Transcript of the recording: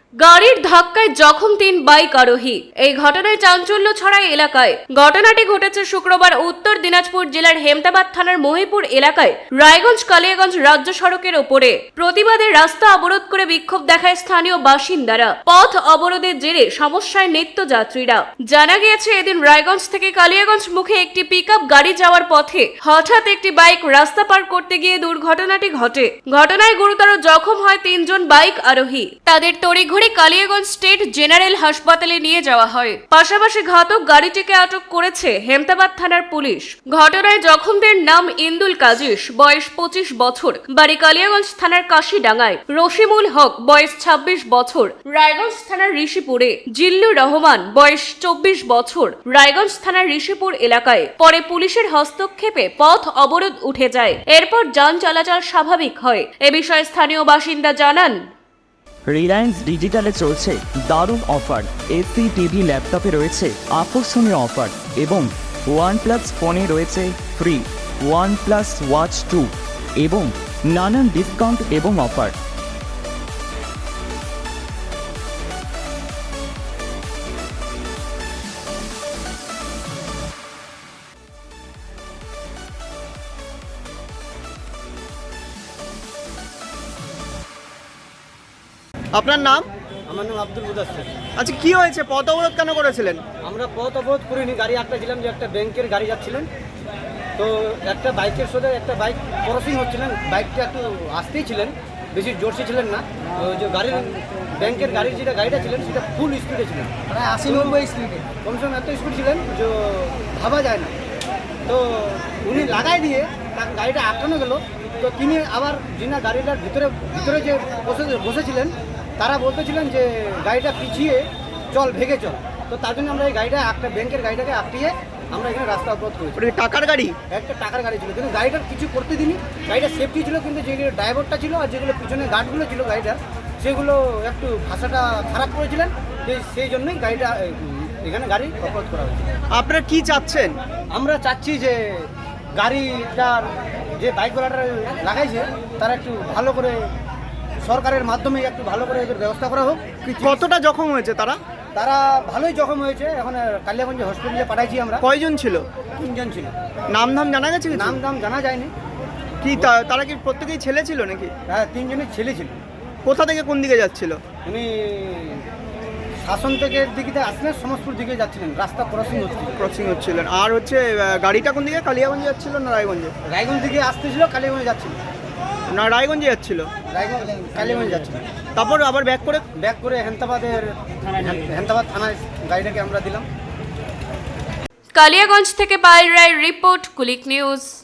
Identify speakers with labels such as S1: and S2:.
S1: গাড়ির ধাক্কায় জখম 3 বাইক আরোহী। এই ঘটনায় চাঞ্চল্য ছড়ায় এলাকায়। ঘটনাটি ঘটেছে শুক্রবার উত্তর দিনাজপুর জেলার হেমতাবাদ থানার মহিপুর এলাকায় রায়গঞ্জ কালিয়াগঞ্জ রাজ্য সড়কের ওপরে। প্রতিবাদে রাস্তা অবরোধ করে বিক্ষোভ দেখায় স্থানীয় বাসিন্দারা। পথ অবরোধের জেরে সমস্যায় নিত্যযাত্রীরা। জানা গিয়েছে এদিন রায়গঞ্জ থেকে কালিয়াগঞ্জ মুখে একটি পিকআপ গাড়ি যাওয়ার পথে হঠাৎ একটি বাইক রাস্তা পার করতে গিয়ে দুর্ঘটনাটি ঘটে। ঘটনায় গুরুতর জখম হয় 3 জন বাইক আরোহী। তাদের তড়িঘড়ি কালিয়াগঞ্জ স্টেট জেনারেল হাসপাতালে নিয়ে যাওয়া হয়। পাশাপাশি ঘাতক গাড়িটিকে আটক করেছে হেমতাবাদ থানার পুলিশ। ঘটনায় জখমদের নাম ইন্দুল কাজিস, বয়স 25 বছর, বাড়ি কালিয়াগঞ্জ থানার কাশিডাঙ্গায়; রশিমুল হক, বয়স 26 বছর, রায়গঞ্জ থানার ঋষিপুরে; জিল্লুর রহমান, বয়স 24 বছর, রায়গঞ্জ থানার ঋষিপুর এলাকায়। পরে পুলিশের হস্তক্ষেপে পথ অবরোধ উঠে যায়। এরপর যান চলাচল স্বাভাবিক হয়। এ বিষয়ে স্থানীয় বাসিন্দা জানান,
S2: রিলায়েন্স ডিজিটালে চলছে দারুণ অফার। এসি, টিভি, ল্যাপটপে রয়েছে আকর্ষণীয় অফার এবং OnePlus ফোনে রয়েছে ফ্রি OnePlus Watch 2 এবং নানান ডিসকাউন্ট এবং অফার।
S3: আপনার নাম?
S4: আমার নাম আব্দুল মুদাসসির।
S3: আচ্ছা, কি হয়েছে? পথ অবরোধ কেন করেছিলেন?
S4: আমরা পথ অবরোধ করিনি, গাড়ি আটকাছিলাম যে একটা ব্যাংকের গাড়ি যাচ্ছিলেন, তো একটা বাইকের সাথে একটা বাইক ক্রসিং হচ্ছিলেন, বাইকটা একটু আসতেই ছিলেন, বেশি জোরসে ছিলেন না। তো যে গাড়ির ব্যাংকের গাড়ির যেটা গাড়িটা ছিলেন সেটা ফুল স্পিডে ছিলেন, প্রায় 80-90 স্পিডে, কমসে কম এত স্পিড ছিলেন যে ভাবা যায় না। তো উনি লাগাই দিয়ে তার গাড়িটা আটকানো গেল। তো তিনি আবার যিনি গাড়িটার ভিতরে যে বসেছিলেন তারা বলতেছিলেন যে গাড়িটা পিছিয়ে চল, ভেগে চল। তো তার জন্য আমরা এই গাড়িটা একটা ব্যাংকের গাড়িটাকে আটকিয়ে আমরা এখানে রাস্তা অবরোধ করেছি।
S3: টাকার গাড়ি?
S4: একটা টাকার গাড়ি ছিল, কিন্তু গাড়িটার কিছু করতে দিনি, গাড়িটা সেফটি ছিল, কিন্তু যেগুলো ড্রাইভারটা ছিল আর যেগুলো পিছনে গার্ডগুলো ছিল গাড়িটার, সেগুলো একটু ভাষাটা খারাপ করেছিলেন, সেই জন্যই গাড়িটা এখানে গাড়ি অবরোধ করা হয়েছে।
S3: আপনারা কি চাচ্ছেন?
S4: আমরা চাচ্ছি যে গাড়িটার যে বাইকওয়ালাটা লাগাইছে তারা একটু ভালো করে সরকারের মাধ্যমে একটু ভালো করে এদের ব্যবস্থা করা হোক।
S3: কতটা জখম হয়েছে তারা?
S4: তারা ভালোই জখম হয়েছে, এখন কালিয়াগঞ্জ হসপিটালে পাঠাইছি আমরা।
S3: কয়জন ছিল?
S4: 3 জন ছিল।
S3: নাম ধাম জানা গেছে?
S4: নাম দাম জানা যায়নি।
S3: কি তারা কি প্রত্যেকেই ছেলে ছিল নাকি?
S4: হ্যাঁ, 3 জনের ছেলে ছিল।
S3: কোথা থেকে কোন দিকে যাচ্ছিল?
S4: উনি শাসন থেকে দিকে আসলেন, সমস্তপুর দিকে যাচ্ছিলেন, রাস্তা
S3: ক্রসিং হচ্ছিলেন। আর হচ্ছে গাড়িটা কোন দিকে, কালিয়াগঞ্জ যাচ্ছিল না রায়গঞ্জে?
S4: রায়গঞ্জ দিকে আসতেছিল, কালিয়াগঞ্জে যাচ্ছিল
S3: না রায়গঞ্জে যাচ্ছিল?
S4: রায়গঞ্জ কালিয়াগঞ্জে যাচ্ছিল।
S3: তারপর আবার ব্যাক করে
S4: হেমতাবাদ থানায় গাড়িটাকে আমরা দিলাম।
S1: কালিয়াগঞ্জ থেকে পায়েল রায়ের রিপোর্ট, কুলিক নিউজ।